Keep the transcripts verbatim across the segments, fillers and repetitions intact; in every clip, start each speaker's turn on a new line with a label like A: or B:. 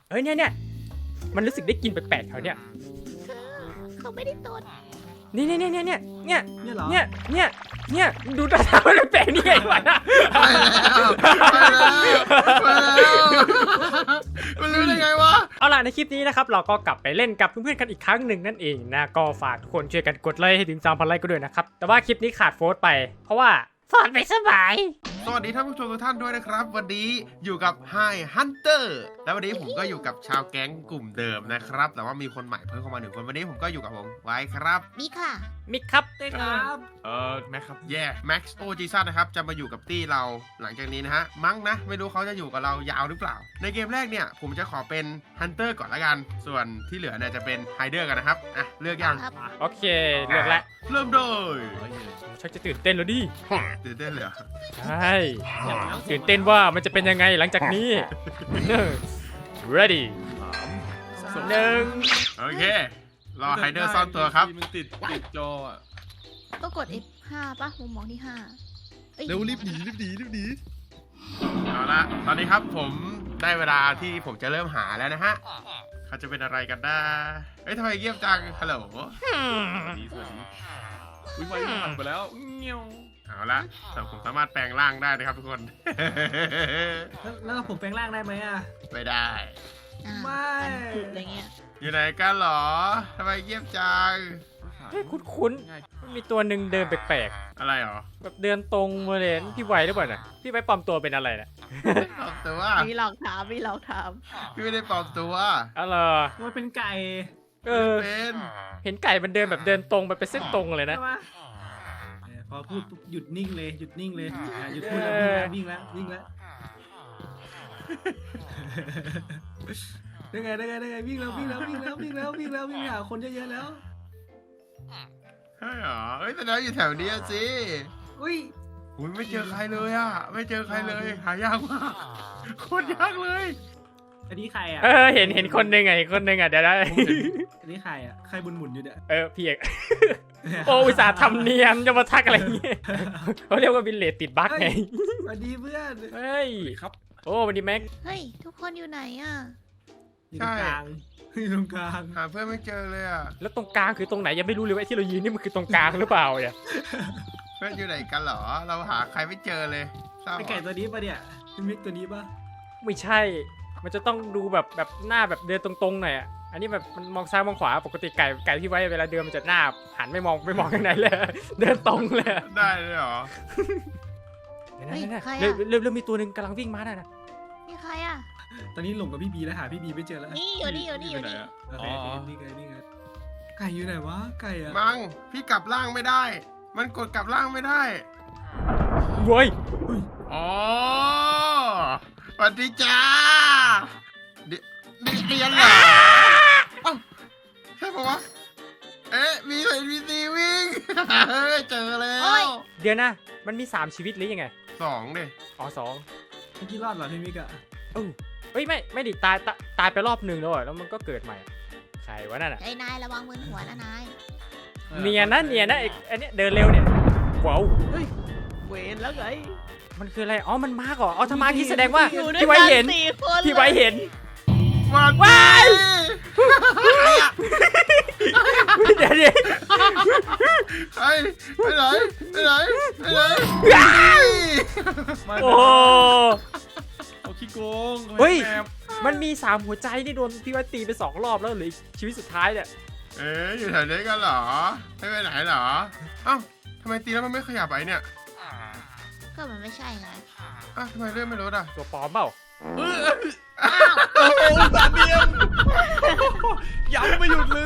A: เอ้ยเนี่ยเนี่ยมันรู้สึกได้กลิ่นแปลกๆแถวเนี้ย
B: เขาไม่ได้ตด
A: นี่เนี่ยเนี่ยเนี่ยเนี่ย
C: เนี่ยเหรอ
A: เนี่ยเนี่ยเนี่ยดูตาตามันแปลกๆนี่ไงวะนะ
D: ไปแล้วไปแล้วไปแล้วมันรู้ได้ไงวะ
A: เอาล่ะในคลิปนี้นะครับเราก็กลับไปเล่นกับเพื่อนๆกันอีกครั้งหนึ่งนั่นเองนะก็ฝากทุกคนช่วยกันกดไลค์ให้ถึงสามพันไลค์ก็ด้วยนะครับแต่ว่าคลิปนี้ขาดโฟร์ไปเพราะว่าฟอนไม่สบาย
D: สวัสดีท่านผู้ชมทุกท่านด้วยนะครับ วันนี้อยู่กับ Hi Hunter แล้ววันนี้ผมก็อยู่กับชาวแก๊งกลุ่มเดิมนะครับแต่ว่ามีคนใหม่เพิ่มเข้ามาหนึ่งคนวันนี้ผมก็อยู่กับผมไว้ครับ
B: มีค่ะ
A: มิกครับ
C: ครับ
D: เออแม็กครับแย่แม็กซ์โอจีซันนะครับจะมาอยู่กับตี้เราหลังจากนี้นะฮะมั้งนะไม่รู้เขาจะอยู่กับเรายาวหรือเปล่าในเกมแรกเนี่ยผมจะขอเป็นฮันเตอร์ก่อนละกันส่วนที่เหลือเนี่ยจะเป็นไฮเดอร์กันนะครับอ่ะเลือกยัง
B: ครับ
A: โอเคเลือกแล้ว
D: เริ่มเลย
A: ชักจะตื่นเต้นแล้วดิ
D: ตื่นเต้นเลยเหรอ
A: ใช่ตื่นเต้นว่ามันจะเป็นยังไงหลังจากนี้ ready หนึ่ง
D: โอเครอไฮเดอร์ซ่อนตัวครับ
E: มันติดติดจออะ
B: ก็กด เอฟ ห้า ป่ะมุมมองที่ห้าอ้ย
E: เร็วรีบหนีรีบหนีรีบหนี
D: เอาละตอนนี้ครับผมได้เวลาที่ผมจะเริ่มหาแล้วนะฮะเขาจะเป็นอะไรกันนะเอ้ยทำไมเงียบจังฮัลโหล
E: ดีสวัสดีอุ้ยไฟผ่านไปแล้วเงี้ยว
D: เอาละแต่ผมสามารถแปลงร่างได้นะครับทุกคน
C: แล้วแล้วผมแปลงร่างได้ไหมอ่ะ
D: ไม่ได้
B: อ่า
C: ไม่
B: ผุดอะไรเงี้ย
D: อยู่ไหนกันเหรอทำไมเงียบจัง
A: เฮ้ยคุ้นๆมันมีตัวหนึ่งเดินแปลก
D: อะไรเหรอ
A: ๆแบบเดินตรงมาเลยพี่ไวหรือเปล่าน่ะพี่ไวปลอมตัวเป็นอะไรน่ะ
D: ปลอมตัว
B: มีหลอกถามมีหลอกถาม
D: พี่ไม่ได้ปลอมตัว
A: อะไร
C: มันเป็นไก่
A: เออ
D: เป็น
A: เห็นไก่มันเดินแบบเดินตรงไปเป็นเส้นตรงเลยนะ
C: ใช่ปะเนี่ยพอพูดปุ๊บหยุดนิ่งเลยหยุดนิ่งเลยอ่ะหยุดพูดแล้ววิ่งแล้ววิ่งแล้ววิ่งแล้วได้ไงได้ไงได้ไงวิ่งแล้ววิ่งแล้ววิ่งแล้ววิ่งแล้ววิ่งแล้ววิ่งหาคนเยอะๆแล้ว
D: ใช่เหรอเอ้ยแต่แล้วอยู่แถวนี้สิ
C: อุ้ย
D: อุ้ยไม่เจอใครเลยอ่ะไม่เจอใครเลยหายากมากโคตรยากเลย
C: อันนี้ใครอ่ะ
A: เออเห็นเห็นคนหนึ่งไงคนหนึ่งอ่ะเดี๋ยวได้
C: อันนี้ใครอ่ะใครบุญหมุนอยู่เนี่ย
A: เออพี่เอกโอ้อุตส่าห์ทำเนียนจะมาทักอะไรเงี้ยเขาเรียกว่าบินเลตติดบั๊กไง
C: สวัสดีเพื่อน
A: เฮ้ย
E: ครับ
A: โอ้วันนี้แม็ก
B: เฮ้ย ทุกคนอยู่ไหนอ่ะ
C: อยู่ตรงกลางอยู่ตรงกลาง
D: หาเพื่อนไม่เจอเลยอ่ะ
A: แล้วตรงกลางคือตรงไหนยังไม่รู้เลยว่าไอ้ที่เรายืนนี่มันคือตรงกลางหรือเปล่าเนี่ย
D: เพื่อนอยู่ไหนกันเหรอเราหาใครไม่เจอเลยเศร้า
C: ไอไก่ตัวนี้ปะเนี่ยเป็นมิกตัวนี้ปะ
A: ไม่ใช่ มันจะต้องดูแบบแบบหน้าแบบเดินตรงๆหน่อยอ่ะอันนี้แบบมันมองซ้ายมองขวาปกติไก่ไก่ที่ไว้เวลาเดินมันจะหน้าหันไม่มองไม่มองข้างในเลย เดินตรงเลย
D: ได้เลยเหรอ
A: เริ่มเริ่มเริ่มมีตัวหนึ่งกำลังวิ่งมาได้นะ
B: นี่ใครอ่ะ
C: ตอนนี้หลงกับพี่บีแล้วหาพี่บีไม่เจอแล้ว
B: นี่อยู่นี่อยู่นี่อยู่
E: ไหน
B: นี่
E: อะ
C: โอ
E: อ๋
C: เค
E: อ
C: นี่ไงนี่ไงไก่อยู่ไหนวะไก่อะ
D: มังพี่กลับร่างไม่ได้ มันกดกลับร่างไม่ได้
A: เว้ย
D: อ๋อสวัสดีจ้าเดี๋ยวนี่เรียนเหรอเอ้าใช่ปะวะเอ๊ะมีเห็นมีซีวิ่ง เฮ้ยเจอแล้ว
A: เดี๋ยวนะมันมีสามชีวิตหรือยังไง
D: สองดิ
A: อ๋อสอง
C: เมื่อกี้รอดเหรอพี่มิกอะ
A: เออเฮ้ยไม่ไม่ดิตายตายตายไปรอบหนึ่งแล้วอะแล้วมันก็เกิดใหม่ใครวะนั่นอ่ะ
B: ไอ้นายระวังมือหัวนะนาย
A: เนียนนะเนียนนะไอ้ไอันนี้เดินเร็วเนี่ยว้าว
B: เวนแล้วไง
A: มันคืออะไรอ๋อมันมาก่อนอ๋อถ้ามาที่แสดงว่า
B: อยู่ด้วย
A: พี่ไว้
B: กัน
A: เห็น
B: สี่คน
A: พี่ไว้เห็น
D: วัน
A: ว้าย เดี๋ยวเดี๋ยว
D: ไปไปไหนไปไหนไปไหน
E: มา
A: โอ้
E: เอาขี้โกง
A: เฮ้ย
E: แอบ
A: มันมีสามหัวใจนี่โดนพี่ไว้ตีไปสองรอบแล้วเหลืออีกชีวิตสุดท้ายเนี่ย
D: เอ๊ะอยู่แถวนี้กันเหรอไม่ไปไหนเหรอเอ้าทำไมตีแล้วมันไม่ขยับไปเนี่ย
B: ก็มันไม่ใช่ไง
D: อ้าวทำไมเลื่อนไม่ลดอ่ะ
A: ตัวปลอมเปล่า
B: อ้าว
E: โอ้โหสามเดียมย้ำไม่หยุดเลย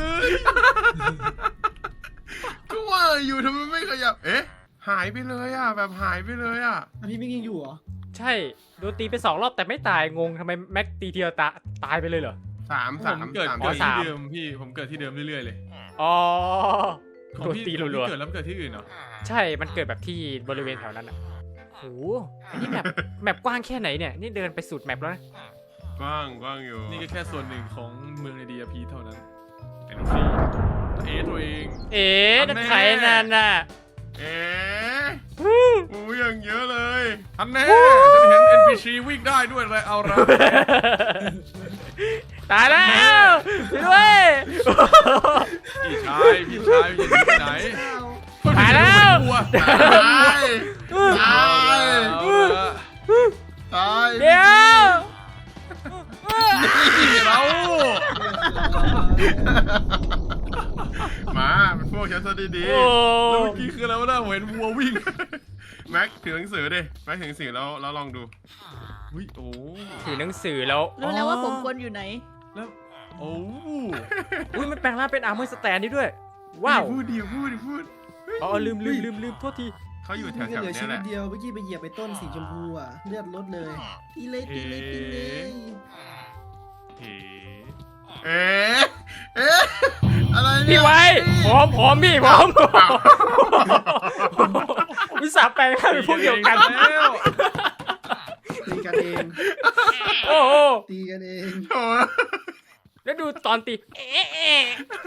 D: ก็ว่าอยู่ทำไมไม่ขยับเอ๊ะหายไปเลยอ่ะแบบหายไปเลยอ่ะ
C: อันนี้มิกยังอยู่เหรอ
A: ใช่โดนตีไปสองรอบแต่ไม่ตายงงทำไมแม็กตีเทียวตาตายไปเลยเหรอ
D: สาม
E: ผ
D: สาม
E: มเกิด
D: สาม
E: เกิด
A: สา
E: ที่
A: ม
E: เดิมพี่ผมเกิดที่เดิมเรื่อยๆเลย
A: อ๋อ
E: ของ
A: โดน
E: พี่
A: ตี
E: ของ
A: รัว
E: พี่เกิดแล้วมันเกิดที่อื่นเหรอ
A: ๆใช่มันเกิดแบบที่บริเวณแถวนั้นอ่ะโหอันนี้แมปแมปกว้างแค่ไหนเนี่ยนี่เดินไปสุดแมปแล้วนะ
D: กว้างกว้างอยู่
E: นี่ก็แค่ส่วนหนึ่งของเมืองในดีอาพีเท่านั้นไอ้น้องฟีเอตัวเอง
A: เอ๊ะนั่นใครนั่นน่ะ
D: เอ๊ะโอ้ยอย่างเยอะเลย
E: ทันแน่ฉันเห็น เอ็น พี ซี วิ่งได้ด้วยเลยเอาละ
A: ตายแล้วช่วยด้วย
E: พี่ชายพี่ชายอยู่ที่ไหน
A: ตายแล้ว
D: ตายตาย
E: เอาละ
D: ตาย
A: เดี๋ยว
E: เรา
D: มาเป็นพวกฉันซะดี
A: โอ้
E: แล้วเมื่อกี้คืออะไรวะน่าเห็นวัววิ่ง
D: ๆแม็กถือหนังสือดิแม็กถือหนังสือแล้วแล้วลองดู
E: อุ้ยโอ้
A: ถือหนังสือแล้ว
B: รู้แล้วว่าผมควรอยู่ไหน
E: แล้วโอ้
A: อุ้ยมันแปลงร่างเป็นอาร์เมอร์สแตนนี่ด้วย ว้าว
D: พูดดิพูดดิพูด
A: อ๋อลืมลืมลืมลืมโทษที
D: เขาอยู่แถ
C: พี่ก็
D: ว
C: เหลือ
D: ๆ
C: ชี
D: นี้แห
C: วิต
D: ละ
C: เดียวเมื่อกี้ไปเหยียบไปต้นสีชมพูอ่ะเลือดลดเลยตีเลยตีเลยตีเลย
E: เฮ้
D: เอ๊ะเอ๊ะอะไรเนี่ย
A: พี่ไว้ผอมผอมพี่ผอมวิสาแปลงร่างเป็นพวกเดียวกัน
E: แล้ว
C: ตีกันเอง
A: โอ้โห
C: ตีกันเอง
D: โอ้
A: แล้วดูตอนตีเอ๊ะเอ๊ะ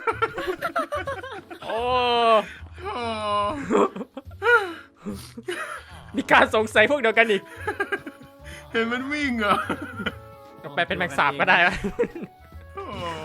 A: โอ้
D: โห
A: มีการสงสัยพวกเดียวกันอีก
D: เห็นมันวิ่งเหรอ
A: ไปเป็นแมงสาบก็ได้ไหม
D: โอ้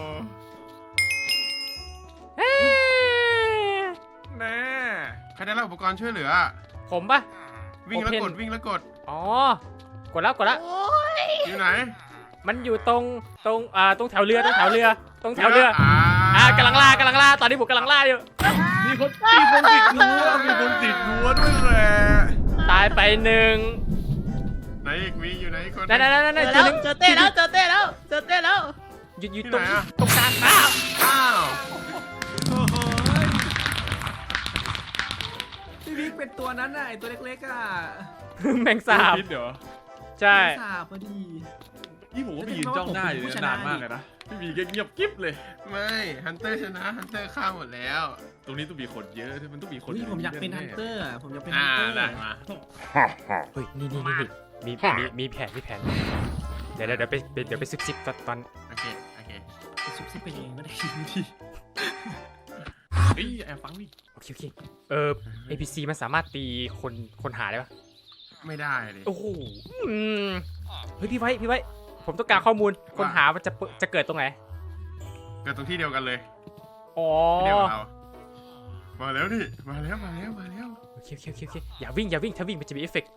A: เอ๊ะ
E: แน่
D: ใครได้รับอุปกรณ์ช่วยเหลือ
A: ผมปะ
D: วิ่งแล้วกด
A: Open
D: วิ่งแล้วกด
A: อ๋อกดแล้วกดแล้ว
B: โอ้ย
D: อยู่ไหน
A: มันอยู่ตรงตรงอ่าตรงแถวเรือตรงแถวเรือตรงแถวเรือ
D: อ่า
A: อ่ากำลังล่ากำลังล่าตอนนี้ผมกำลังล่าอยู่
E: มีคนมีคนติดรั้วมีคนติดรั้วด้วยแหละ
A: ตายไปหนึ่ง
D: ไหนอีกมีอยู่ไหนอีกคน
A: นั่นนั่นนั่น
B: เจ
A: นั่
B: อน
A: เจ
B: แล้
A: อ
B: ว
A: หนึ่ง
B: เจอเต้แล้วเจอเต้แล้วเจอเต้แล้ว
A: อยู่อยู่
D: ที่
A: ตรง
D: ไหนอะ
A: ตรงกลางอ้าว
D: อ้าว
C: พี่บิ๊กเป็นตัวนั้นน่ะไอตัวเล็กๆอ่ะ
A: แมงสาบ
E: คิดเดี๋ยว
A: ใช่
C: สาบพอดี
E: นี่ผมก็ไปยืนจ้องหน้าอยู่เนี่ยนานมากเลยนะพี่บีก็เงียบกิ๊บเลย
D: ไม่ฮันเตอร์ชนะฮันเตอร์ฆ่าหมดแล้ว
E: ตรงนี้ต้องมีคนเยอะมันต้องมีคน
C: เฮ้ยผมอยากเป็นฮันเตอร์อะผมอยากเป็นฮั
D: อ่าน
C: เตอร์
D: ได้มา
A: เฮ้ยนี่นี่นี่นี่มีมีมีแผนมีแผนเดี๋ยวเดี๋ยวเดี๋ยวไปเดี๋ยวไปซิบซิบตอนตอน
D: โอเคโอเค
C: ซุบซิบไปเองก็ได้ทีที
E: เฮ้ยแอบฟังดิ
A: โอเคโอเคเออ เอ พี ซี มันสามารถตีคนคนหาได้ปะ
D: ไม่ได้เลย
A: โอ้โหอืมเฮ้ยพี่ไว้พี่ไว้ ผมต้องการข้อมูลคนหามันจะเปิดจะเกิดตรงไหน
D: เกิดตรงที่เดียวกันเลย
A: อ๋อ
D: ที่เดียวกับเรามาแล้วนี่มาแล้วมาแล้วมาแล้ว
A: โอเคโอเคโอเคโอเคอย่าวิ่งอย่าวิ่งถ้าวิ่งมันจะมีเอฟเฟกต์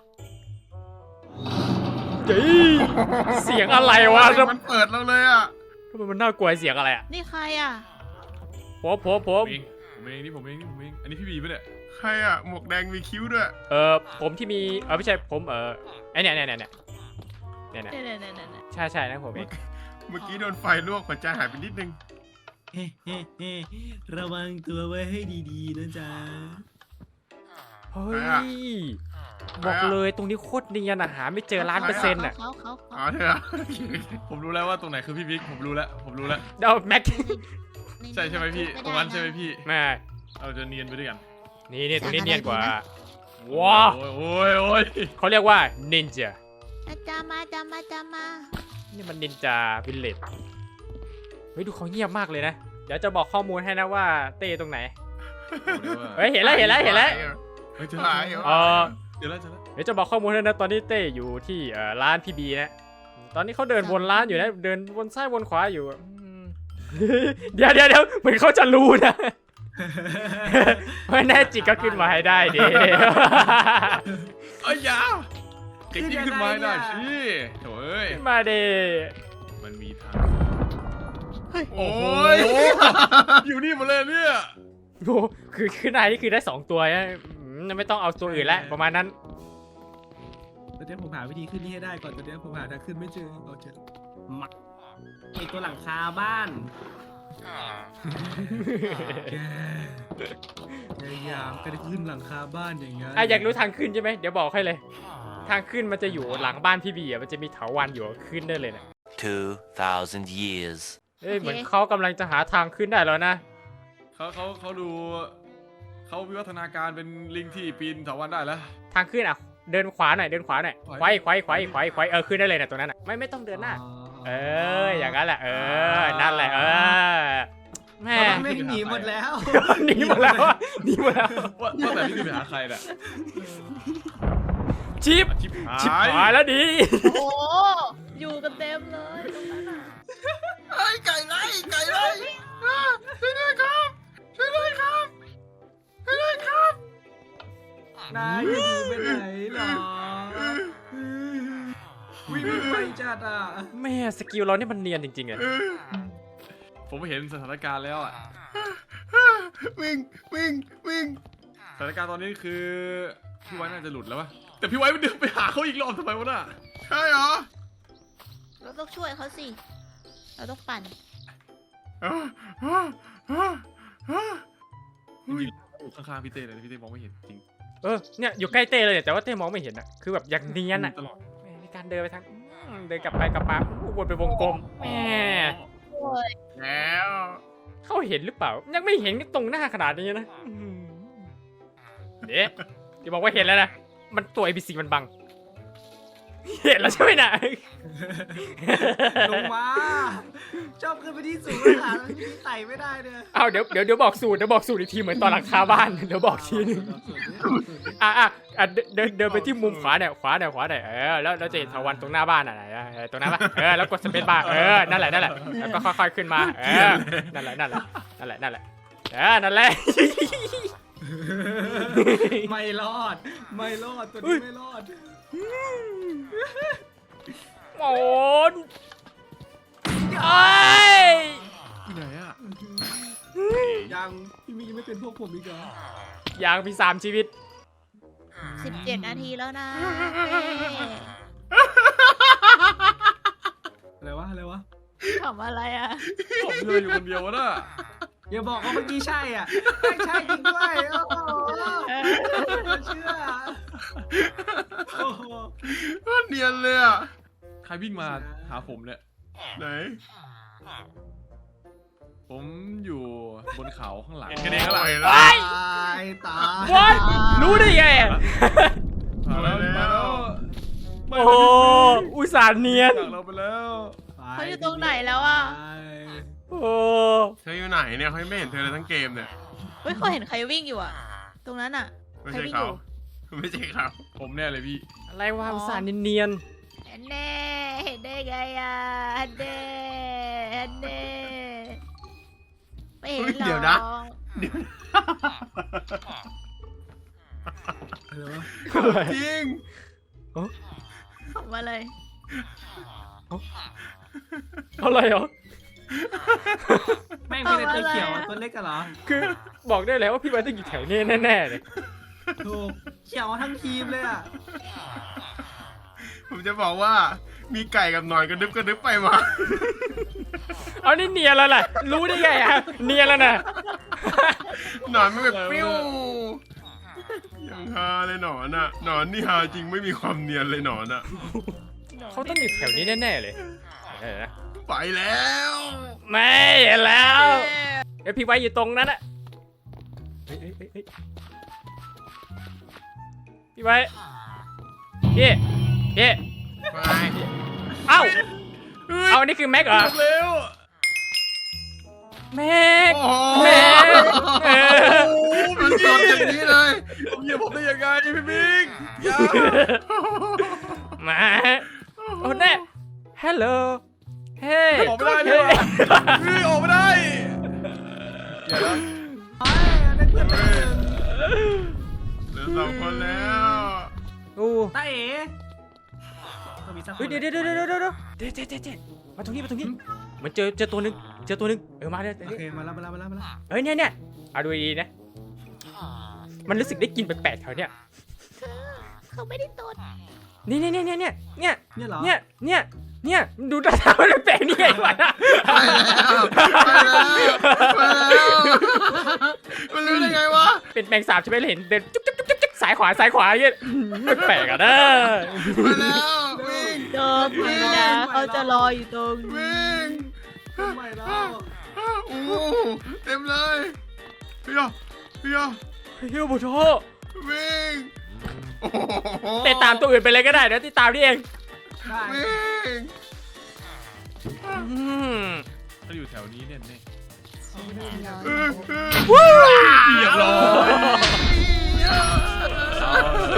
A: เฮ้ยเสียงอะไรวะ
D: มันเปิดเราเลยอ่ะ
A: ทำไมมันน่ากลัวเสียงอะไรอ่ะ
B: นี่ใครอ่ะ
A: ผมผมผ
E: ผม มเองผมเองนี่ผมเองนี่ผมเองอันนี้พี่บีปะเนี่ย
D: ใครอ่ะหมวกแดงมีคิ้วด้วย
A: เออผมที่มีเออไม่ใช่ผมเออไอเนี่ยเนี่ยเนี่ยเนี่ยเนี่ยเนี่ย
B: เนี่ยเนี่ยเนี่ยเนี่ย
A: ใช่ใช่นะผมเอง
D: เมื่อกี้โดนไฟลวกหัวใจหายไปนิดนึง
C: เฮ้เฮ้เฮ้ระวังตัวไว้ให้ดีๆนะจ๊ะ
A: เฮ้ยบอกเลยตรงนี้โคตรเนียนอะหาไม่เจอล้านเปอร์เซ็นต์อะ
B: เขาเขา
D: อ๋อ
B: เขา
D: เธอ
E: ผมรู้แล้วว่าตรงไหนคือพี่บิ๊กผมรู้แล้วผมรู้แล้ว
A: เดาแม็ก
E: ใช่ใช่ไหมพี่ตรงนั้นใช่ไหมพี่
A: แม่
E: เราจะเนียนไปด้วยกัน
A: นี่นี่ตรงนี้เนียนกว่าว้าว
E: โอ้ยโอ้ยโอ้ย
A: เขาเรียกว่านินจา
B: อาจารย์มาอาจารย์มาอาจารย์มา
A: นี่มันนินจาวิลเลจเฮ้ยดูเขาเงียบมากเลยนะเดี๋ยวจะบอกข้อมูลให้นะว่าเต้ตรงไหนเฮ้ยเห็นแล้วเห็นแล้วเห็นแล้ว
E: เฮ้ยเจอ
D: หา
E: แล้ว
D: ย
A: เออ
E: เจอแล้วเจอแล้ว
A: เดี๋ยวจะบอกข้อมูลให้นะตอนนี้เต้อยู่ที่เอ่อร้านพี่บีนะตอนนี้เขาเดินวนร้านอยู่นะเดินวนซ้ายวนขวาอยู่อะอืม เดี๋ยวเดี๋ยวเดี๋ยวเหมือนเขาจะรู้นะ ไม่แน่จริงก็ขึ้นมาให้ได้ดิ
E: เอ้ยอยาเก่งยิ่งขึ้นมาให้ได้สิโถ่เอ้ย
A: ขึ้นมาดิ
E: มันมีทาง
D: โอ้
E: โอ้
D: ย
E: ยอยู่นี่หมดเลยเนี่ย
A: โอ้คือขึ้นได้นี่คือได้สองตัวนะอืมไม่ต้องเอาตัวอื่นแล้วประมาณนั้น
C: ตอนนี้ผมหาวิธีขึ้นนี่ให้ได้ก่อนตอนนี้ผมหาทางขึ้นไม่เจอเอาเจอมักไอตัวหลังคาบ้านแกพยายามก็ได้ขึ้นหลังคาบ้านอย่างเงี้ย
A: อ่ะอยากรู้ทางขึ้นใช่ไหมเดี๋ยวบอกให้เลย ทางขึ้นมันจะอยู่หลังบ้านพี่บีอ่ะมันจะมีเถาวัลย์อยู่ขึ้นได้เลยนะ
F: Two thousand years.
A: เอ้ยเหมือนเขากำลังจะหาทางขึ้นได้แล้วนะ
E: เขาเขาเขาดูเขาวิวัฒนาการเป็นลิงที่ปีนเถาวัลย์ได้แล้ว
A: ทางขึ้นอ่ะเดินขวาหน่อยเดินขวาหน่อย
E: ขวา
A: ไขว้ไขว้ไขว้ไขว้ไขว้เออขึ้นได้เลยนะตรงนั้นอ่ะไม่ไม่ต้องเดินหน้า เอออย่างนั้นแหละเออนั่นแหละเออแม่
C: ไม่หนีหมดแล้ว
A: หนีหมดแล้วอะหนีหมดแล้ว
E: ว่าว่าแต่นี่คือไปหาใครน่ะ
A: ชิป
E: ชิบหา
A: ชิป
E: ย
A: หายแล้วดี
B: โอ้อยู่กันเต็มเลยตรงนั้นอ่ะ
D: ไอ้ยไก่ไล่ไก่ไล่อ่าช่วยด้วยครับช่วยด้วยครับช่วยด้วยครับ
C: นายจะหนีไปไหนหรอวิ่งไปจัดอ่ะ
A: แม่สกิลเรานี่มันเนียนจริงๆอะ
E: ผมเห็นสถานการณ์แล้วอะ
D: วิ่งวิ่งวิ่ง
E: สถานการณ์ตอนนี้คือพี่ไว้น่าจะหลุดแล้ววะแต่พี่ไว้มันเดินไปหาเขาอีกรอบทำไมวะน่ะ
D: ใช่เหรอ
B: เราต้องช่วยเขาสิ เราต้องปั่น
D: อ่าอ่าอ่าอ่า
E: จริงๆอยู่ข้างๆพี่เต้เลยนะพี่เต้มองไม่เห็นจริง
A: เออเนี่ยอยู่ใกล้เต้เลยเนี่ยแต่ว่าเต้มองไม่เห็นอะคือแบบอย่างเนียนอะ
E: ตลอด
A: แม่ในการเดินไปทางอืมเดินกลับไปกลับมาอู้วนไปวงกลมแม่
D: แล้ว
A: เขาเห็นหรือเปล่า ยังไม่เห็นตรงหน้าขนาดนี้นะอืมเด็กที่บอกว่าเห็นแล้วนะมันตัว เอ บี ซี มันบัง เห็นแล้วใช่ไหมน่ะ
C: ลงมาชอบขึ้นไปที่สูงหาที่ไต่ไม่ได้เนี่ย
A: เอาเดี๋ยวเดี๋ยวเดี๋ยวบอกสูตรเดี๋ยวบอกสูตรอีกทีเหมือนตอนหลังคาบ้านเดี๋ยวบอกทีนึงอ่ะอ่ะอ่ะเดินเดินเดินไปที่มุมขวาเนี่ยขวาเนี่ยขวาเนี่ยเออแล้วเราจะเห็นเถาวัลย์ตรงหน้าบ้านอ่ะไหนอ่ะเออตรงนั้นปะเออแล้วกดสเปซบาร์เออนั่นแหละนั่นแหละแล้วก็ค่อยๆขึ้นมาเออนั่นแหละนั่นแหละนั่นแหละนั่นแหละเออนั่นแหละ
C: ไม่รอด ไม่รอดตัวนี้ไม่รอด
A: โอนไอ้ย
E: ที่ไหนอะ
C: ยังพี่มียังไม่เป็นพวกผมอีกเหรอ
A: อย่างมีสามชีวิต
B: สิบเจ็ดนาทีแล้วนะ
C: อะไรวะอะไรวะ
B: ทำอะไรอ่ะ
E: ผมเดินอยู่คนเดียววะน่ะ
C: อย่าบอกว่าเมื่อกี้ใช่อ่ะไม่ใช่จริงด้วยโอ้โหไม่เชื่อโอ้โห
D: โคตรเนียนเลยอ่ะ
E: ใครวิ่งมาหาผมเนี่ย
D: ไหน
E: ผมอยู่บนเขาข้างหลัง
D: เห็นกันเองแล้วล่ะ
C: ตายตาย
A: What รู้ได้ไงอะ
E: มาแล้วมาแล้ว
A: โอ้โหอุตส่าห์เนียน
E: จากเราไปแล้ว
B: เขาอยู่ตรงไหนแล้วอ่ะ
A: โอ้
D: เธออยู่ไหนเนี่ยเขายังไม่เห็นเธอเลยทั้งเกมเนี่ย
B: เฮ้ยเขาเห็นใครวิ่งอยู่อ่ะ ตรงนั้นอ่ะ
D: ไม่ใช่เขาไม่ใช่เขา
E: ผมแน่เลยพี่
A: อะไรวะอุตส่าห์เนียน
B: เห็นแน่เห็นได้ไงอ่ะเห็นแน่เห็นแน่ไม่เห็นหรอก
D: เดี๋ยวนะ
C: อะไรวะ
A: ๆอะไร
D: จริง
B: ออกมาเลย
A: อะไรเหรอ
C: แม่งมีแต่ตัวเขียวอะตัวเล็กกันเหรอ
A: คือบอกได้แล้วว่าพี่ไว้ต้องอยู่แถวนี้แน่ๆเลย
C: ถูกเขียวทั้งทีมเลยอ่ะ
D: ผมจะบอกว่ามีไก่กับหนอนกระดึบกระดึบไปมา
A: เอานี่เนียนแล้วล่ะ รู้ได้ไงอะเนียนแล้วนะ
D: หนอนไม่แบบปิ้วยังฮาเลยหนอนอ่ะหนอนนี่ฮาจริงไม่มีความเนียนเลยหนอนอ่ะ
A: เขาต้องอยู่แถวนี้แน่ๆเลยเออนะ
D: ไปแล้ว
A: ไม่เห็นแล้วเดี๋ยวพี่ไว้อยู่ตรงนั้นอะเฮ้ยเฮ้ยเฮ้ยเฮ้ยพี่ไว้พี่พี่
D: ไป
A: เอ้าเอาอันนี้คือแม็กเหรอ
E: เร็ว
A: แม็ก
D: โอ้โห
A: แม่เออ
D: โอ้โหมันสดอย่างนี้เลย
E: ผมเหยียบผมได้ยังไงพี่บิ๊กอย่า
A: มาโอ้แน่ฮัลโหลเฮ้ย
E: ออกไม่ได้พี่ว่ะพี่ออกไม่ได้อย่านะ
C: ไอ้ได้เพื่อนไปหนึ่ง
D: เหลือสองคนแล้ว
A: โอ้
C: ตาเอ๋ต้องมีสักค
A: เฮ้ย
C: น
A: เดี๋ยวเดี๋ยวเดี๋ยวเดี๋ยวเดี๋ยวเดี๋ยวเดี๋ยวเดี๋ยวมาตรงนี้มาตรงนี้มันเจอเจอตัวหนึ่งเจอตัวหนึ่งเออมาเลย
C: โอเคมาแล้วมาแล้วมาแล้วมาแล้ว
A: เฮ้ยเนี่ยเนี่ยเอาดูดีๆนะมันรู้สึกได้กลินแปลกๆแถวเนี้ย
B: เขาไม่ได้ตด
A: นี่เนี่ยเนี่ยเนี่ยเนี่ย
C: เนี่ยเหรอ
A: เนี่ยเนี่ยเนี่ยดูตาตามันแปลกๆนี่ไงวะ
D: ไปแล้วไปแล้วไปแล้วมันรู้ได้ไงวะ
A: เป็นแมงสาบใช่ไหมเห็นเดินจุ๊บจุ๊บจุ๊บจุ๊บสายขวาสายขวาอย่างเงี้ยแปลกๆอ่ะนะ
D: ไปแล้ววิ่ง
B: เจอผีนะเขาจะรออยู่ตรง
D: วิ่ง
C: ทำไมแล้ว
D: โอ้โหเต็มเลยพี่ยอพี่ยอ
A: เฮ้ยโบโช
D: วิ่งโอ้โห
A: เตะตามตัวอื่นไปเลยก็ได้นะที่ตามนี่เอง
C: ได้
D: วิ่ง
A: อืม
E: ถ้าอยู่แถวนี้เนี่ยเนี่ย
D: เออเออ
A: วู้
E: เรียบร้อย
A: เอา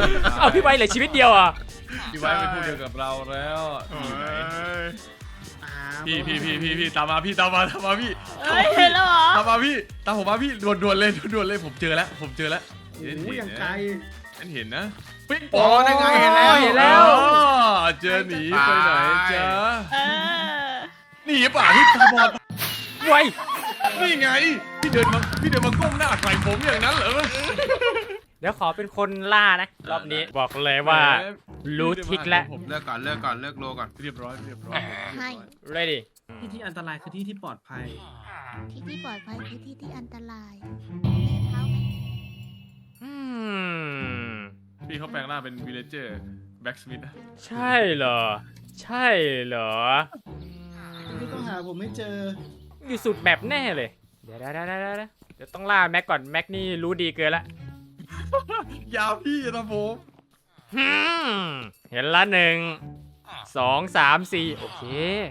A: เอาพี่ไว้เหลือชีวิตเดียวอ่ะ
E: พี่ไว้เป็นผู้เดียวกับเราแล้ว
D: โอ้
E: อยู่ไหน
D: ย
E: พี่พี่พี่พี่พี่ตามมาพี่ตามมาตามมาพี่
B: เอ้ยเห็นแล้วเหรอ
E: ตามมาพี่ตามผมมาพี่ด่วนด่วนเลยด่วนเลยผมเจอแล้วผมเจอแล้ว
C: โอ้โหอย่างไกล
E: ฉันเห็นนะปิ๊ง
D: โอ้ได้ไงเห็นแล้ว
A: เห็นแล้ว
E: อ๋อเจอหนีไปไหนจ๊ะ
B: เออ
E: หนีป่ะพี่ตาบอด
A: ไว้
E: นี่ไงพี่เดินมาพี่เดินมาก้มหน้าใส่ผมอย่างนั้นเหรอ
A: เดี๋ยวขอเป็นคนล่านะรอบนี้บอกเลยว่า รู้ทิศแล้ว
E: ผม
D: เลิกก่อนเลิกก่อนเลิกโลก่อน
E: เรียบร้อยเรียบร้อย
B: ให้
A: ready
C: ที่ที่อันตรายคือที่ที่ปลอดภัย
B: ที่ที่ปลอดภัยคือที่ที่อันตรายเท้าไหม
A: อืม
E: พี่เขาแปลงร่างเป็นวิลเลเจอร์แบ็กสมิธ
A: ใช่เหรอ ใช่เหรอ
C: ไม่ต้องหาผมไม่เจอ
A: อยู่สุดแบบแน่เลย เดี๋ยวเดี๋ยวเดี๋ยวเดี๋ยวเดี๋ยวต้องล่าแม็กก่อนแม็กนี่รู้ดีเกินละ
E: ยาวพี่นะผม
A: ฮึมเห็นละหนึ่งสองสามสี่โอเค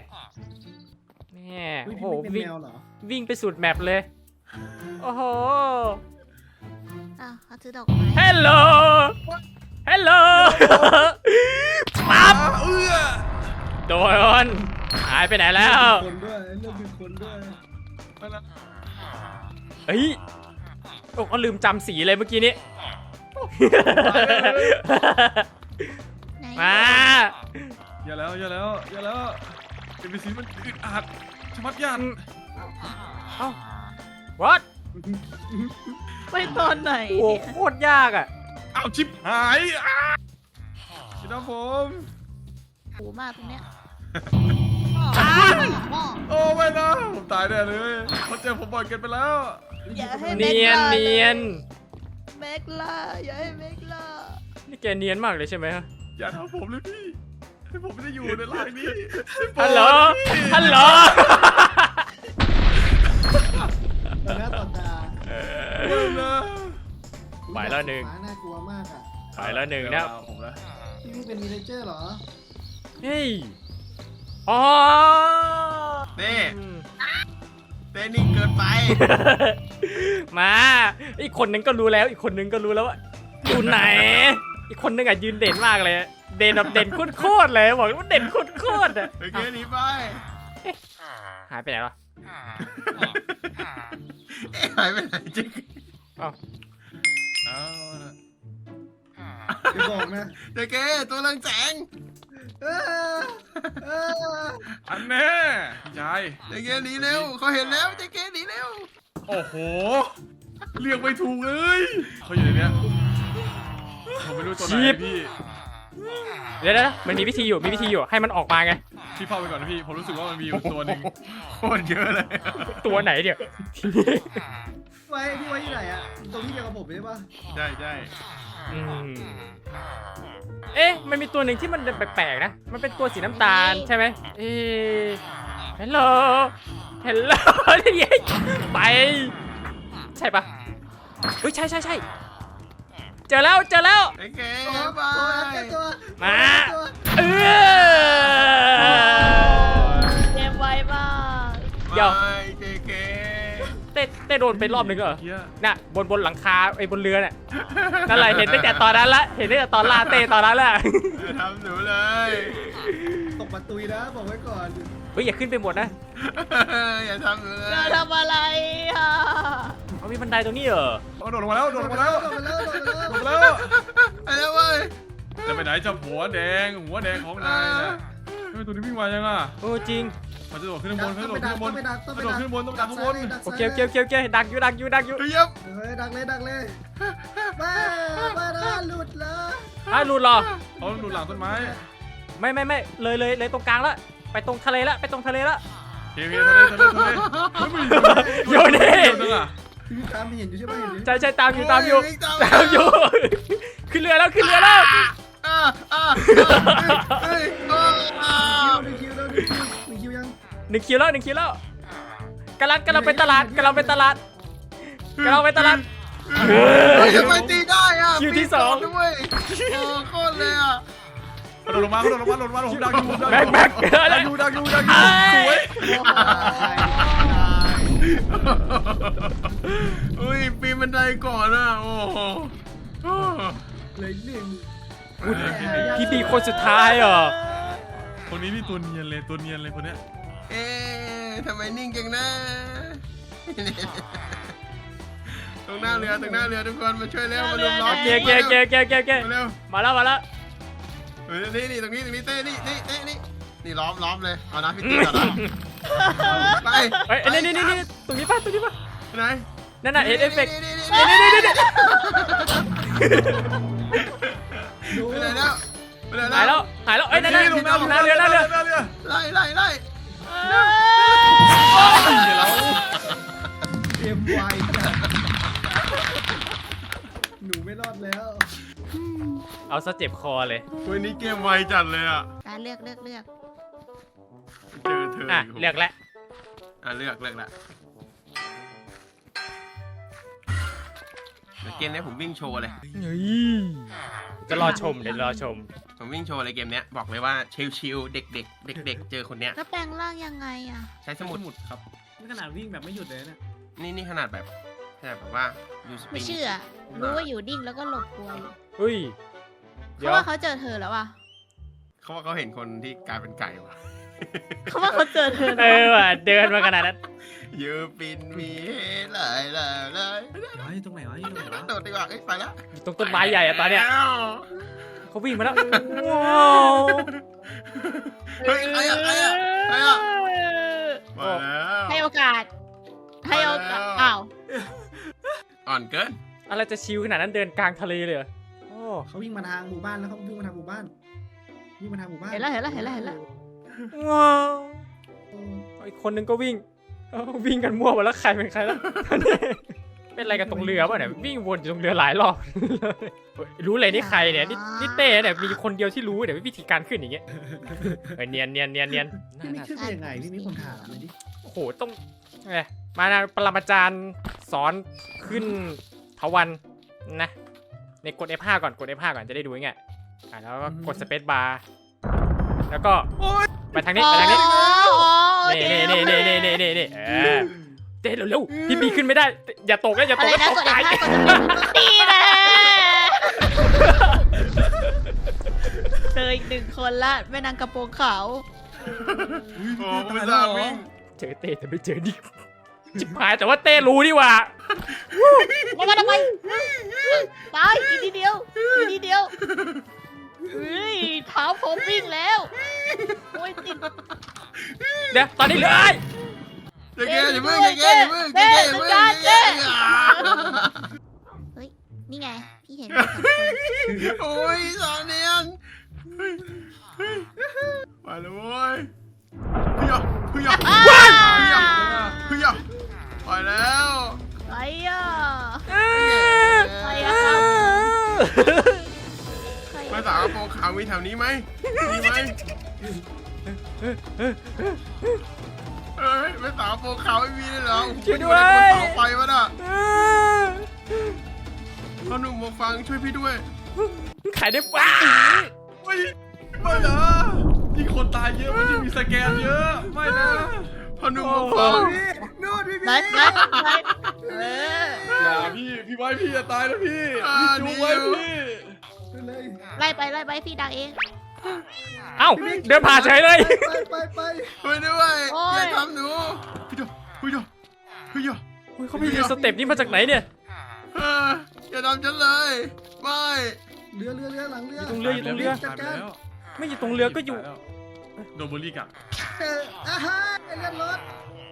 A: เนี่ย
C: อุ๊
A: โอ้
C: ย
A: โห
C: พี่ไม่เป็น
A: วิ่ง
C: แมวเหรอ
A: วิ่งไปสุดแมปเลย โอ้โห
B: อ้าวเขาซื้อดอกไม้
A: ฮัลโหลฮัลโหลปั๊บ
E: เอื้อ
A: โดนหายไปไหนแล้ว
C: คนด้วยเรื่องมีคนด้วย
A: เฮ้ยโอ้ก็ลืมจำสีเลยเมื่อกี้นี้
B: ไหน
A: มา
E: อย่าแล้วอย่าแล้วอย่าแล้วเอ็มบีซีมันอึดอัดชะมัดยัน
A: เอ้า what
B: ไปตอนไหน
A: โอ้
B: เนี่ย
A: โคตรยากอ่ะ
E: เอาชิปหายอ้าพี่น้องผม
B: โหมากตรงเนี้ย
E: โอ้ไม่นะผมตายแน่เลยเขาเจอผมบ่อยเกินไปแล้ว
B: อย่าให้
A: เนียนเนียน
B: เมกล่าอย่าให้เมกล่า
A: นี่แกเนียนมากเลยใช่ไหมฮะ
E: อย่าทำผมเลยพี่ให้ผมไม่ได้อยู่ในร่างนี้
A: ฮัลโหลฮัลโหล
C: ต่อหน้าต่อตา
E: ไม่นะ
A: ไปแล้วหนึ่ง
C: หมาน่ากลัวมากอ่ะ
A: ไปแล้วหนึ่งนะ
E: ผมแล้ว
C: พี่นี่เป็นวิลเลเจอร์เหรอ
A: เฮ้ยอ๋อ
D: เต้เต้นิ่งเกินไป
A: มาอีกคนนึงก็รู้แล้ว อีกคนนึงก็รู้แล้วว่าอยู่ไหน อีกคนนึงอ่ะยืนเด่นมากเลย เด่นแบบเด่นโคตรๆเลยบอกว่าเด่นโคตรๆอ่ะ
D: โอเคหนีไป
A: หายไปไหนวะ
D: เอ๊ะหายไปไหนจริง
A: อ้าว
E: เอาละ
C: อย่าบอกนะ
D: เจ๊เก้ตัวเรืองแสง
C: เออเออ
E: อันแน่พี่ชาย
D: เจ๊เก้หนีเร็วเขาเห็นแล้วเจ๊เก้หนีเร็ว
E: โอ้โหเรียกไม่ถูกเลยเขาอยู่ในเนี้ยผมไม่รู้ตัวไหนพี่
A: เดี๋ยวนะมันมีวิธีอยู่มีวิธีอยู่ให้มันออกมาไง
E: พี่เฝ้าไปก่อนนะพี่ผมรู้สึกว่ามันมีอยู่ตัวหนึ่ง
D: โคตรเยอะเลย
A: ตัวไหนเดี๋ยว
C: ไว้พี่ไว้ที่ไหนอ่ะตรงที่เดียวกับผมใช่ปะ
D: ใช่ใช่
A: อืมเอ๊ะมันมีตัวหนึ่งที่มันแปลกๆนะมันเป็นตัวสีน้ำตาลใช่ไหมเอ๊ะฮัลโหลฮัลโหลนี่ไปใช่ปะเฮ้ยใช่ใช่ใช่เจอแล้วเจอแล้ว
D: เจ๊เก้
C: ตัว
D: ไป
C: ตัวตัว
A: มา
C: ตัว
A: เออ
B: เกมไวมาก
A: เดี๋ยว
D: ไปเจ๊เก้
A: เต้เต้โดนไปรอบหนึ่งเหรอ
E: เฮีย
A: น่ะบนบนหลังคาไอ้บนเรือน่ะนั่นแหละเห็นตั้งแต่ตอนนั้นละเห็นตั้งแต่ตอนลาเต้ตอนนั้นแหละ
D: อย่าทำหนูเลย
C: ตกมาตุยนะบอกไว้ก่อน
A: เฮ้ยอย่าขึ้นไปหมดนะ
D: อย่าทำหนูเลย
B: เราทำอะไรอ่ะ
A: เอามีบันไดตรงนี้เหรอ
E: เอาโดดลงมาแล้วโดดลงมาแล้ว
C: โดนมาแล้วโดนมาแล้ว
E: โดดมาแล้ว
D: ไปแล้วเว้ย
E: จะไปไหนเจ้าหัวแดงหัวแดงของนายนะทำไมตัวนี้วิ่งมายังอ่ะ
A: โอ้จริง
E: มันจะโดดขึ้นข้างบนมันจะโดดขึ้นข้างบน
C: ต้องไปดักต้อง
E: มั
C: ไป
E: นโด
C: ดั
E: ด
C: ก
E: ขึ้นบนต้องดักข้างบน
A: โอเคโอเคโอเคโอเคดักอยู่ดักอยู่ดักอยู่
D: เยี่ยม
C: เฮ้ยดักเลยดักเลยมามานะหลุดเลย
A: อ้าวหลุดเหรอ
E: เขาหนุนหลังต้นไม้
A: ไม่ไม่ไม่เลยเลยเลยตรงกลางแล้วไปตรงทะเลแล้วไปตรงทะเลแล้ว
E: เฮ้ยเฮ้ยทะเลทะเลทะเลเฮ้ยมัน
A: โยนดิ
E: เดี๋ยวจังอ่ะ
C: พี่ตามเห็นอยู่ใช่ไหมเห็นอยู่
A: ใช่ใช่ตามอยู่ตามอยู่
D: วิ่งตาม
A: ตามอยู่ขึ้นเรือแล้วขึ้นเรือแล้ว
D: อ่าอ่าเฮ้ยอ่า
C: หนึ่งคิวแล้วหนึ่งคิวหนึ่งคิวยัง
A: หนึ่งคิวแล้วหนึ่งคิวแล้วกำลังกำลังไปตลาดกำลังไปตลาดกำลังไปตลาด
D: เฮ้ยทำไมตีได้อ่ะ
A: คิวที่สอง
D: ปีนด้วยโอ้โคตรเลยอ่ะ
E: กระโดดลงมากระโดดลงมาโดดลงมาผมดักอยู่ผมดัก
A: แม็กแม็ก
E: ดักอยู่ดักอยู่ดักอยู่สวย
D: อุ้ยปีนบันไดก่อนอ่ะโอ้โห
C: เลยหนึ่ง
A: พี่บีคนสุดท้ายเหรอ
E: คนนี้นี่ตัวเนียนเลยตัวเนียนเลยคนเนี้ย
D: เอ๊ะทำไมนิ่งจังนะ ตรงหน้าเรือตรงหน้าเรือทุกคนมาช่วยเร็วมาลุมล้อม
A: เก๊เก๊เก๊เก๊เก๊เก๊
D: มาเร็ว
A: มาแล้วมาแล้ว
D: เฮ้ยนี่นี่ตรงนี้ตรงนี้เต้นี่นี่เต้นี่นี่ล้อมล้อมเลยเอานะพี่ตีก่อนนะไป
A: เฮ้ยนี่นี่นี่นี่ตรงนี้ป่ะตรงนี้ป่ะ
D: ไหน
A: นั่นน่ะเอฟเฟกต์
D: นี่นี่
A: นี่นี่นี่นี่
D: ไปไหนแล้วไปไหน
A: หายแล้วหายแล้วเอ้ยนั่นนั่นนั่นเรือนั่นเรือ
E: เรือ
D: ไล่ไล่ไล่
C: เกมไวจัดหนูไม่รอดแล้ว
A: เอาซะเจ็บคอเลย
D: วันนี้เกมไวจัดเลยอ่ะ
B: การเลือกเลือกเลือก
D: เจอเธอ
A: อ่ะ
D: อีก
A: เลือกแล้ว
D: อ่ะเลือกเลือกละเดี๋ยวเกมนี้ผมวิ่งโชว์เลย
A: จะรอชมเดี๋ยวรอชม
D: ผมวิ่งโชว์เลยเกมเนี้ยบอกเลยว่าชิลๆเด็กๆเด็กๆเจอคนเนี้ย
B: แล้วแปลงร่างยังไงอ่ะ
D: ใช้สมุด
C: หมุดครับนี่ขนาดวิ่งแบบไม่หยุดเลยนะ
D: นี่นี่ขนาดแบบขนาดแบบว่ายูสปริ
B: ไม่
D: ง
B: เชื่อ รู้ว่าอยู่ดิ้งแล้วก็หลบกลัวอยู่
A: เฮ้ย
B: เพ
A: เดี๋ยว
B: ราะว่าเขาเจอเธอแล้วอ่ะ
D: เขาว่าเขาเห็นคนที่กลายเป็นไก่ว่ะ
B: เขาว่าเขาเจอเธอ
A: เออว่ะเดินมาขนาดนั้น
D: ยูปินมีหลายหลายหลาย
C: เฮ้ยตรงไหนวะตรงไหนวะ
D: โดดดีกว่าเอ้ยไปแล้ว
A: ตรงต้นไม้ใหญ่อะตอนเนี้ย
D: แล้ว
A: เขาวิ่งมาแล้วว้าว
D: เฮ้ยใครอะใครอะใครอะมาแล้ว
B: ให้โอกาส ให้โอกาส อ้าว
D: อ่อนเกิน
A: อะไรจะชิลขนาดนั้นเดินกลางทะเลเลยเหรอโอ้
C: เขาวิ่งมาทางหมู่บ้านแล้วเขาวิ่งมาทางหมู่บ้านวิ่งมาทางหมู่บ้าน
B: เห็นแล้วเห็นแล้วเห็นแล้วเห็นแล้ว
A: ว้าวอีกคนนึงก็วิ่งเอ้าวิ่งกันมั่วหมดแล้วใครเป็นใครแล้ว เป็นอะไรกันตรงเรือป่ะเนี่ยวิ่งวนอยู่ตรงเรือหลายรอบ รู้เลยนี่ใครเนี่ยนี่นี่เต้เนี่ยมีคนเดียวที่รู้เนี่ยวิธีการขึ้นอย่างเงี้ยเออเนียนเนียนเนียนเนียน
C: พี่ไม่ขึ้นไปยังไงพี่มีคนถามเลยดิ
A: โอ้โหต้องไงมานะปรมาจารย์สอนขึ้นเถาวันนะในกด เอฟ ห้า ก่อนกด เอฟ ห้า ก่อนจะได้ดูง่ายๆอ่ะแล้วก็กดสเปซบาร์แล้วก็ไปทางนี้ไปทางนี้ นี่นี่นี่นี่นี่นี่นี่นี่เออเต้เร็วๆพี่บีขึ้นไม่ได้ อย่าตกนะอย่าต
B: อะ
A: ก
B: ไร
A: นะ
B: นะ
A: ต
B: ก
A: ก
B: ด
A: ตาย
B: เอฟห้ากดตีนะเจออีกหนึ่งคนละแม่นางกระโปรงขาว
D: โอ้ไม่ทราบวิ่ง
A: เจอเต้แต่ไม่เจอนี่จิบหายแต่ว่าเต้รู้นี่หว่า
B: แล้วก็ทำไมตายอีกทีเดียวอีกทีเดียวเฮ้ยเท้าผมวิ่งแล้วโอ้ยติด
A: เดี๋ยวตอนนี้เหลือไอ้
D: เจ๊เจ๊อย่าเพิ่งเจ๊เจ๊อย่าเพิ่งเจ๊เจ๊อย่าเพิ่งเจ๊
B: เฮ้ยนี่ไงพี่เห็นเป็นสองคน
D: โอ้ยสาวเนียนเฮ้ยเฮ้ยไปแล้วเว้ยเฮ้ยเฮ้ยเฮ้ยเฮ้ยไปแล้ว
B: ไปอ่ะ
A: เอ้ย
B: ไปอ่ะครับใคร
D: มาสาวกระโปรงขาวมีแถวนี้ไหมมีไหมเอ้ยมาสาวกระโปรงขาวไม่มีเลยเหรอช่วยด้วยเสาไฟวะน่ะพ่อหนุ่มมาฟังช่วยพี่ด้วย
A: ขายได้ป้า
E: ไม่ไม่นะยิ่งคนตายเยอะมันยิ่งมีสแกนเยอะไม่นะ
D: พ่อหนุ่มมาฟัง
C: นู่นพี่
B: ไหนไหนไหนเออ
E: อย่าพี่พี่ไว้พี่จะตายแล้วพี่พี่จูไว้พี่
C: เลย
B: ไล่ไปไล่ไปพี่ดังเอง
A: เอ้าเดินผ่านเฉยเลย
C: ไปไปไป
D: ช่วยด้วย
B: โอ้ย
D: อย่าทำหนูพี่ดพี่ดพี่ด
A: โอ้ยเขาไปเรียนสเต็ปนี้มาจากไหนเนี่ย
D: อย่าทำฉันเลยไม่
C: เรือเรือเรือหลังเรือ
A: อยู่ตรงเรืออยู่ตรงเรือ
C: จัดการ
A: ไม่อยู่ตรงเรือก็อยู่
E: โดนเบอร์รี่กัด
C: เจออาฮะเรือรถ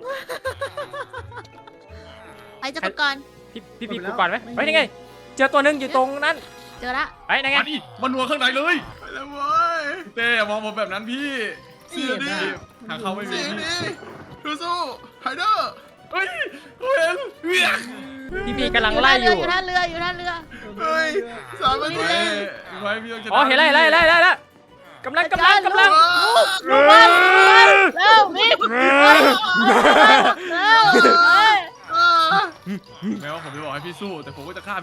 B: ไปจะก่อน
A: พี่พี่บีกูก่อนไหมไปยังไง เจอตัวหนึงอยู่ตรงนั้น
B: เจอละ
A: ไปยังไง
E: มาดิมันนัวข้างในเลย
D: ไปแล้วเว้ย
E: เต้อย่ามองผมแบบนั้นพี่
D: เสียดิ
E: ทางเขาไม่มี
D: เสีย
E: พี่
D: ดิสู้ๆไฮเดอร์
E: เฮ้ยเขาเห็นเวียง
A: พี่บีกำลังไล่อยู่
B: อยู่ท่าเรืออยู่ท่าเรือ
D: เฮ้ยสามนา
E: ไว้
D: ที
E: ไว้พี่ต้องชนะ
A: อ๋อเห็นแล้วเห็นแล้วเห็นแล้วเห็นแล้วกำลังกำลังกำลัง
B: ลูกบอลเร็ววิ่งเร็วเร็วเฮ้ย
E: แม้ว่าผมจะบอกให้พี่สู้แต่ผมก็จะฆ่าพี่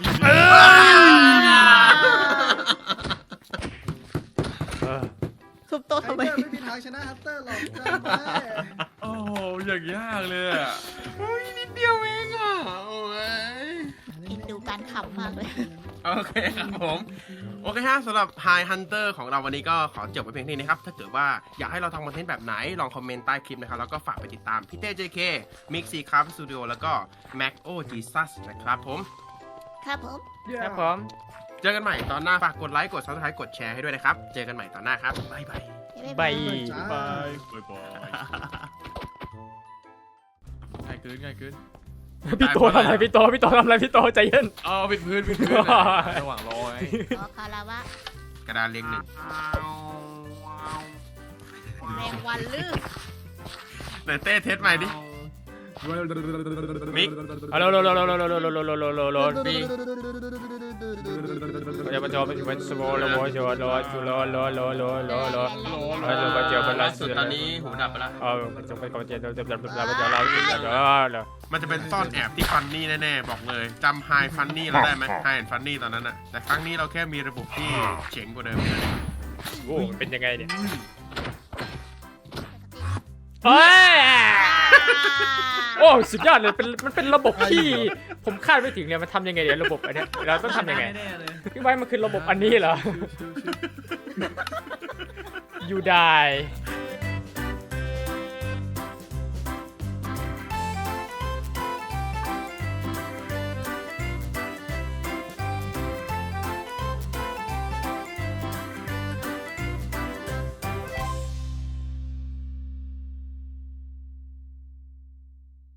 B: ทุบโต๊ะ
C: ไฮ
B: ทำไม
C: เตอร์ไม่มีทางชนะฮัตเตอร์หรอกจำไว้
E: โอ้โหอย่างยากเลยอะ
D: โอ้ยนิดเดียวเองอ่ะโอ้ย
B: อินดูการขำมากเลย
D: โอเคครับผมโอเคฮะสำหรับ High Hunter ของเราวันนี้ก็ขอจบไปเพียงเท่านี้นะครับ ถ้าเกิดว่าอยากให้เราทำคอนเทนต์แบบไหน ลองคอมเมนต์ใต้คลิปนะครับ แล้วก็ฝากไปติดตามพี่เต้ เจ เค Mix C Craft Studio แล้วก็ Mac O Jesus นะครับผม
B: ครับผม
A: ครับผม
D: เจอกันใหม่ตอนหน้า ฝากกดไลค์ กด Subscribe กดแชร์ให้ด้วยนะครับ เจอกันใหม่ตอนหน้าครับ บ๊ายบาย
A: บาย
E: บายบายบายง่ายเกินง่ายเกิน
A: พี่โตทำอะไรพี่โตพี่โตทำอะไรพี่โตใจเย็น
E: อ๋อปิดพื้นปิดพื้นอะระหว่างรอไง
B: ขอคาราวะ
D: กระดานเรียงหนึ่ง
B: แมงวันลือ
D: ไหนเต้เทสใหม่ดิ มิก
A: เอาโลโลโลโลโลโลโลโลโลโลโลโล
D: บี
A: เดี๋ยวมาจอเป็นสโมโลโมโจโลโลโลโลโลโลโลโลโลมาเจอเป็น
D: ล่า
A: ล่า
D: สุ
A: สุ
D: ด
A: ด
D: ตอนนี้หูดับไปแล้ว
A: เออจงไปก่อนเจอเจอเจอเราเจอเราเจอเรา
D: มันจะเป็นซ่อนแอบที่ฟันนี่แน่ๆ บอกเลยจำไฮฟันนี่เราได้ไหมไฮแอนฟันนี่ตอนนั้นอะแต่ครั้งนี้เราแค่มีระบบที่เจ๋งกว่าเดิม
A: โอ้เป็นยังไงเนี่ยเฮ้ยโอ้สุดยอดเลยเป็นมันเป็นระบบที่ผมคาดไม่ถึงเลยมันทำยังไงเนี่ยระบบอันเนี้ยเราต้องทำยังไง
C: แน่ๆเลย
A: พี่ไว้มันคือระบบอันนี้เหรอ you die